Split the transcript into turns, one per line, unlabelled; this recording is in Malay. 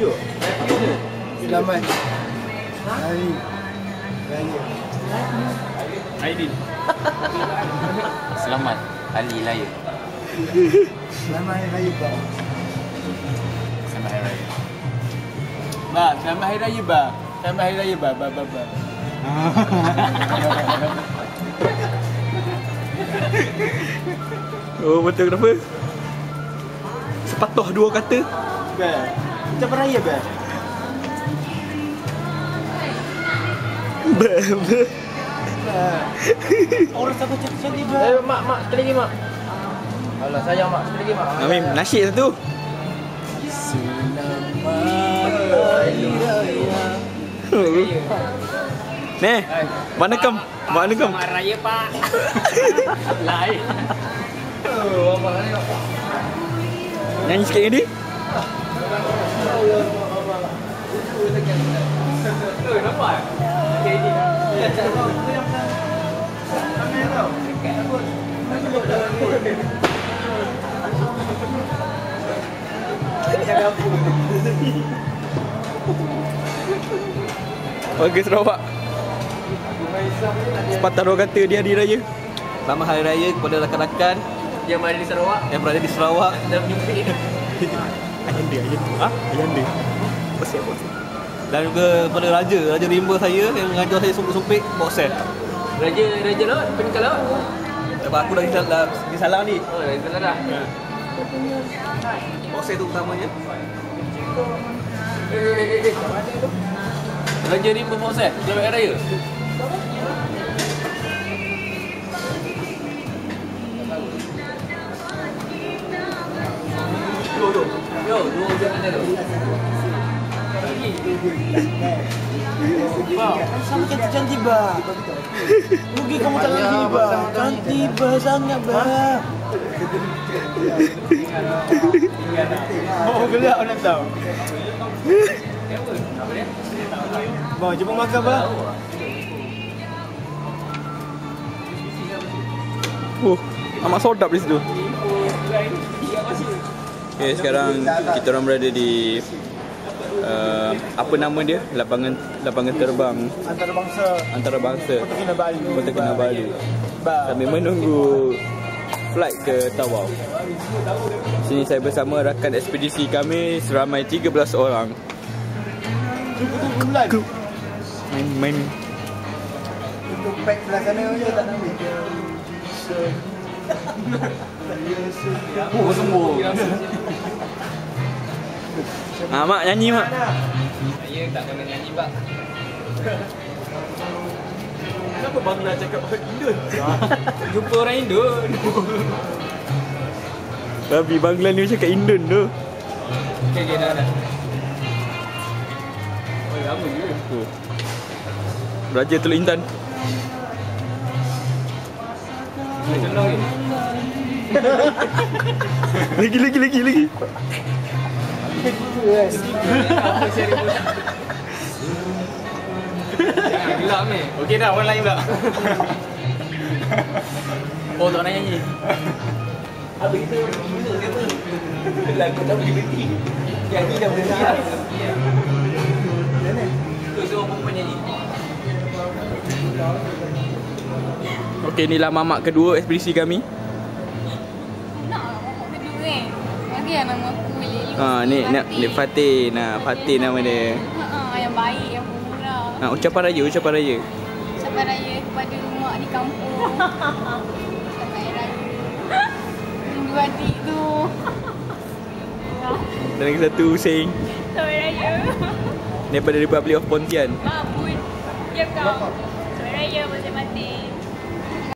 Selamat Hari Raya
Aidin. Selamat Hari Raya.
Selamat Hari Raya Pak.
Selamat Hari Raya.
Ba, selamat Hari Raya Ba. Selamat Hari Raya Ba.
Oh betul, kenapa? Sepatah dua kata.
Ba. Ucapan raya Ba. Orang siapa cantik Ba.
Mak, sekali lagi mak. Alah sayang mak, sekali lagi mak.
Amin, nasyid satu.
Selamat Hari Raya.
Nih, mana kem? Mana kem?
Selamat Raya Pak. Lain. Apa ni?
Nyanyi sikit ni.
Nampak?
Warga Sarawak. Sepatah dua kata di hari raya. Selamat Hari Raya kepada rakan-rakan
Yang berada di Sarawak.
yang berada di Sarawak.
Dan menyumpit.
Ayanda. Ha? Ayanda. Bosek. Dan juga kepada Raja Rimba saya yang mengajar saya sumpit-sumpit boxer.
Raja laut, penikal laut.
Sebab aku dah di salah ni.
Oh, dah salah dah.
Boxer tu utamanya.
Raja Rimba Boxer, Selamat Hari Raya. Yo, dua jam mana tu?
Sama cantik Ba. Rugi kamu tak lagi Ba. Cantik Ba sangat Ba. Oh gelap nak tahu. Ba, jom makan Ba.
Amat sodap di situ. Okay, sekarang kita orang berada di apa nama dia? Lapangan terbang
Antarabangsa
Kota Kinabalu.
Ba.
Kami menunggu flight ke Tawau. Sini saya bersama rakan ekspedisi kami seramai 13 orang.
Bulan.
Main.
Untuk pack belah sana je tak nak ambil.
Oh, sembuh.
Mak nyanyi mak.
Saya tak kena nyanyi pak.
Kenapa Bangla cakap Indon?
Jumpa orang Indon.
Tapi Bangla ni cakap Indon tu.
Okay, dah. Oh, lama je.
Raja Teluk Intan.
Tolong ni.
Lagi.
Gelap ni. Okey dah, orang lain pula. Oh, tak nak nyanyi.
Habis itu lagu tak boleh berhenti. Nyanyi dah berhenti lah.
Tu semua perempuan nyanyi.
Okey, inilah mamak kedua ekspedisi kami.
Nak mamak kedua kan? Bagi lah nama aku
Ni Fatih. Nah, Fatih nama dia.
Yang baik, yang pemurah.
Ucapan raya.
Ucapan raya kepada mak di kampung. Selamat Hari Raya. Rindu adik tu.
Dan lagi satu sing
Selamat Hari Raya.
daripada Republic of Pontian.
Mak pun. Diam kau. Selamat Hari Raya, masing-masing.